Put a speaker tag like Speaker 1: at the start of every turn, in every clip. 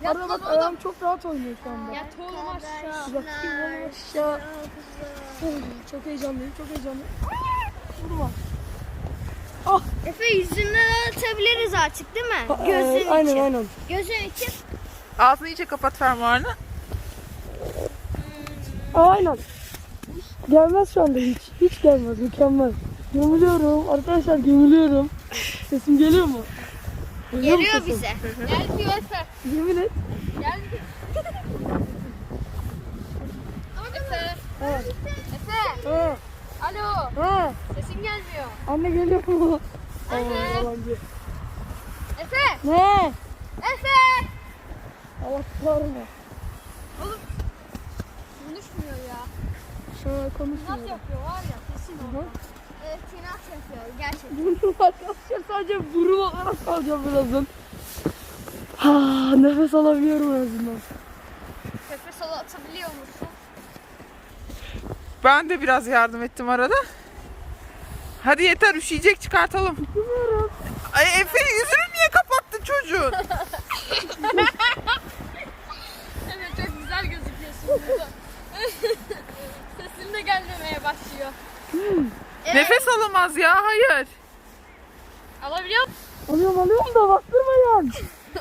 Speaker 1: Arada bak ayağım çok rahat oynuyor şu anda.
Speaker 2: Yat oğlum aşağı.
Speaker 1: Bakayım aşağı. Çok heyecanlıyım, çok heyecanlıyım. Vurma. Ah.
Speaker 2: Efe yüzünden atabiliriz artık değil mi? Gözün için.
Speaker 1: Aynen.
Speaker 2: Gözün için.
Speaker 3: Ağzını iyice kapat fermuarını.
Speaker 1: Aynen. Gelmez şu anda hiç. Hiç gelmez. Mükemmel. Gömülüyorum. Arkadaşlar gömülüyorum. Sesim geliyor mu? Geliyor mu
Speaker 2: Geliyor
Speaker 1: sesim?
Speaker 2: bize. Gel diyor Efe.
Speaker 1: Yemin et.
Speaker 2: Gel. Efe.
Speaker 1: Evet.
Speaker 2: Efe.
Speaker 1: Ha.
Speaker 2: Alo.
Speaker 1: Ha.
Speaker 2: Sesin gelmiyor.
Speaker 1: Anne geliyor mu?
Speaker 2: Anne.
Speaker 1: Aa, yalancı.
Speaker 2: Efe.
Speaker 1: Ne?
Speaker 2: Efe.
Speaker 1: Allah kahretsin.
Speaker 2: Konuşmuyor ya.
Speaker 1: Şöyle
Speaker 2: Tinat
Speaker 1: konuşmuyor.
Speaker 2: yapıyor var ya kesin
Speaker 1: Hı.
Speaker 2: o. Evet tinat yapıyor gerçekten.
Speaker 1: Burnum arkadaşlar sadece burun olarak kalacağım birazdan. Ha, nefes alabiliyorum en azından.
Speaker 2: Nefes atabiliyor musun?
Speaker 3: Ben de biraz yardım ettim arada. Hadi yeter, üşüyecek, çıkartalım.
Speaker 1: Bilmiyorum.
Speaker 3: Ay Efe, yüzünü niye kapattın çocuğun?
Speaker 2: Evet çok güzel gözüküyorsun burada. Sesin de gelmemeye başlıyor. Evet.
Speaker 3: Nefes alamaz ya, hayır.
Speaker 2: Alabiliyor musun?
Speaker 1: Alıyorum da bastırmayın.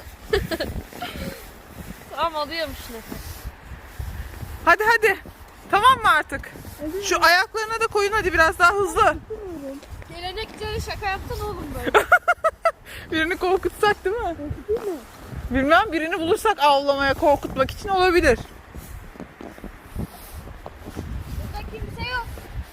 Speaker 2: Tamam alıyormuş nefes.
Speaker 3: Hadi. Tamam mı artık? Şu ayaklarına da koyun hadi, biraz daha hızlı.
Speaker 2: Gelenekleri şaka yaptın oğlum böyle.
Speaker 3: Birini korkutsak değil mi?
Speaker 1: Korkutayım mı?
Speaker 3: Bilmem, birini bulursak avlamaya, korkutmak için olabilir.
Speaker 2: Burada kimse yok.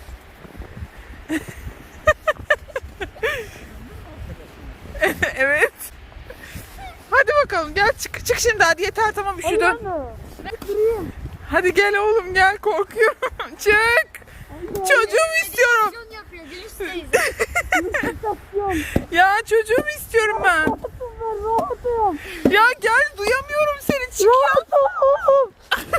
Speaker 3: Evet. Hadi bakalım, gel çık şimdi, hadi yeter, tamam üşüdün.
Speaker 1: Durayım.
Speaker 3: Hadi gel oğlum, gel, korkuyorum. Çık. Çocuğumu istiyorum.
Speaker 2: Televizyon yapıyor Gülüş teyze.
Speaker 1: Stasyon.
Speaker 3: Ya çocuğumu istiyorum ben.
Speaker 1: Rahatım ben rahatım.
Speaker 3: Ya gel, duyamıyorum seni, çık ya.
Speaker 1: Rahatım.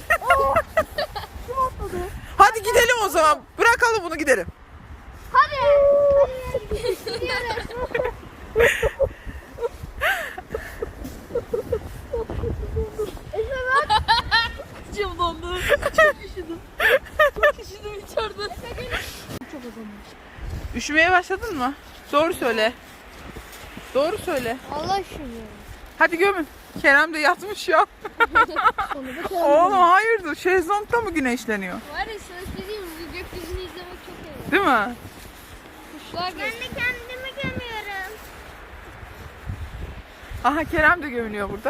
Speaker 1: Kim atladı?
Speaker 3: Hadi gidelim o zaman. Bırakalım bunu, gidelim.
Speaker 2: Hadi. Gidiyoruz. Efe bak.
Speaker 1: İçim dondu. Çok üşüdüm. Çok üşüdüm içeride. Çok azalmış.
Speaker 3: Üşümeye başladın mı? Doğru söyle. Doğru söyle.
Speaker 2: Allah şunu.
Speaker 3: Hadi gömün. Kerem de yatmış ya.
Speaker 1: Sonra da
Speaker 3: Oğlum hayırdır? Şezlong'da mı güneşleniyor?
Speaker 2: Var ya sana söyleyeyim mi? Bu gökyüzünü izlemek çok iyi.
Speaker 3: Değil mi?
Speaker 2: Kuşlar ben de kendimi gömüyorum.
Speaker 3: Aha, Kerem de gömülüyor burada.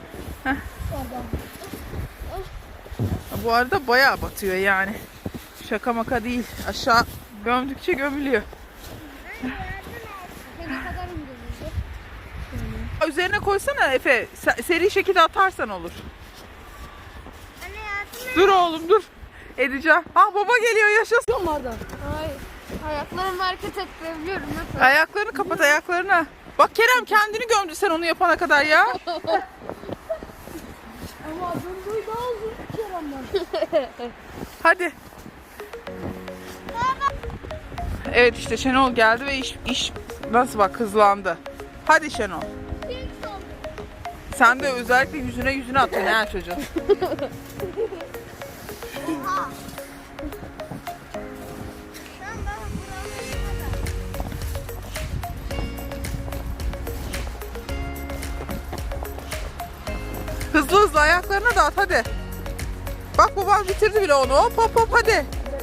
Speaker 3: Bu arada bayağı batıyor yani. Şaka maka değil. Aşağı gömdükçe gömülüyor.
Speaker 2: Efe ne kadar indirecek?
Speaker 3: Üzerine koysana Efe. Seri şekilde atarsan olur.
Speaker 2: Anne yardım et.
Speaker 3: Dur oğlum dur. Edeceğim. Ah, baba geliyor, yaşasın.
Speaker 1: Yok mu Arda?
Speaker 2: Hayır. Ayaklarımı hareket ettirebiliyorum. Nasıl?
Speaker 3: Ayaklarını kapat, ayaklarını. Bak Kerem kendini gömdü sen onu yapana kadar ya.
Speaker 1: Ama döndüğü daha uzun bir Kerem'den.
Speaker 3: Hadi. Evet işte Şenol geldi ve iş nasıl bak hızlandı. Hadi Şenol. Sen de özellikle yüzüne atıyorsun ha çocuğun. Hızlı hızlı ayaklarına da at hadi. Bak babam bitirdi bile onu. Hop hadi.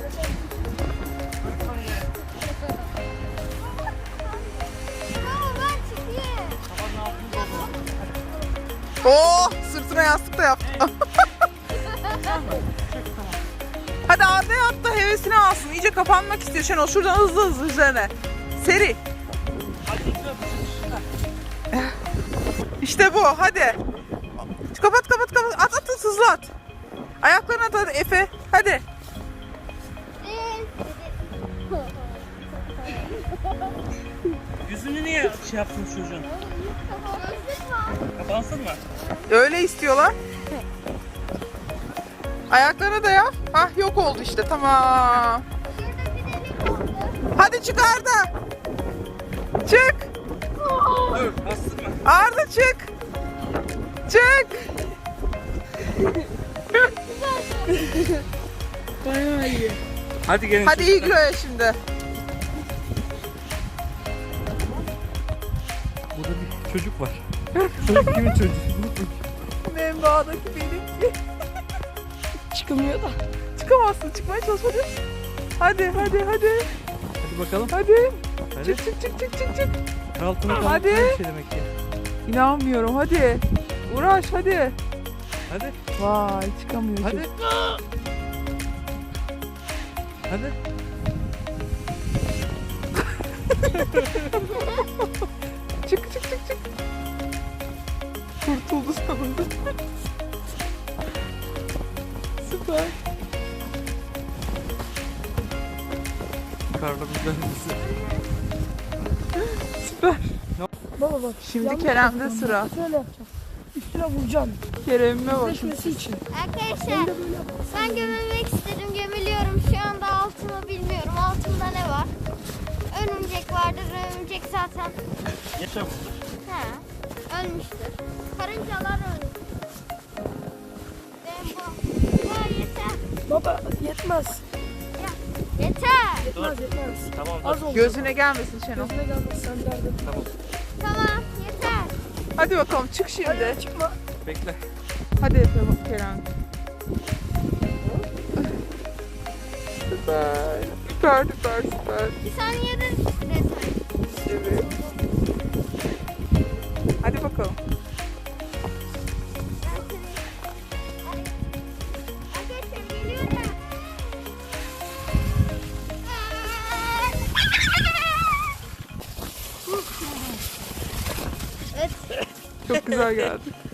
Speaker 3: Oh, sırtına yastık da yaptı. Hadi Arda'ya at da hevesini alsın. İyice kapanmak istiyor Şenol. Şuradan hızlı üzerine. Seri. İşte bu. Hadi. Kapat. At hızlı at. Ayaklarına at hadi Efe. Hadi.
Speaker 4: Yüzünü niye şey yaptın çocuğun? Kapansın mı?
Speaker 3: Öyle istiyorlar. Ayaklarına da yap. Hah, yok oldu işte, tamam. Hadi çık Arda. Çık.
Speaker 4: Dur, bastırma.
Speaker 3: Arda çık. Çık.
Speaker 1: Bayağı iyi.
Speaker 4: Hadi gelin.
Speaker 3: Hadi igloya şimdi.
Speaker 4: Burada bir çocuk var. Çocuk kimin çocuğu?
Speaker 3: Membağdaki benimki.
Speaker 1: Çıkmıyor da.
Speaker 3: Çıkamazsın. Çıkmaya çalış hadi. Hadi.
Speaker 4: Hadi bakalım.
Speaker 3: Hadi.
Speaker 4: Hadi.
Speaker 3: Çık.
Speaker 4: Altına kalmak
Speaker 3: Hadi.
Speaker 4: bir şey demek ki.
Speaker 3: İnanmıyorum hadi. Uğraş hadi.
Speaker 4: Hadi.
Speaker 3: Vay çıkamıyor.
Speaker 4: Hadi.
Speaker 3: çocuk.
Speaker 4: Hadi.
Speaker 3: Çık. Kurtuldu sonunda. Süper.
Speaker 4: Karla mücadelesi.
Speaker 3: Süper.
Speaker 1: Baba bak.
Speaker 3: Şimdi
Speaker 1: yanlış
Speaker 3: Kerem'de
Speaker 1: yapacağım.
Speaker 3: sıra.
Speaker 1: Bak, şöyle yapacağım. Üstüne vuracağım.
Speaker 3: Kerem'ime bak.
Speaker 1: Düşmesi için.
Speaker 2: Arkadaşlar ben gömülmek istedim. Gömülüyorum. Şu anda altımı bilmiyorum. Altımda ne var? Örümcek vardır. Örümcek zaten
Speaker 4: Yaşamıştır.
Speaker 2: ölmüştür. Karıncalar ölmüş. Ben bu. Ya yeter.
Speaker 1: Baba yetmez.
Speaker 2: Yeter.
Speaker 1: Yetmez.
Speaker 4: Tamam
Speaker 1: Az oldu.
Speaker 3: Gözüne gelmesin Şenol.
Speaker 1: Gözüne gelmez sen derdin.
Speaker 2: Tamam yeter.
Speaker 3: Hadi bakalım çık şimdi.
Speaker 1: Hadi çıkma.
Speaker 4: Bekle.
Speaker 3: Hadi yapalım Kerem. Süper.
Speaker 2: Bir saniyede resmen.
Speaker 3: Evet. Hadi bakalım.
Speaker 2: Arkadaşlar geliyorum. Evet.
Speaker 3: Çok güzel geldi.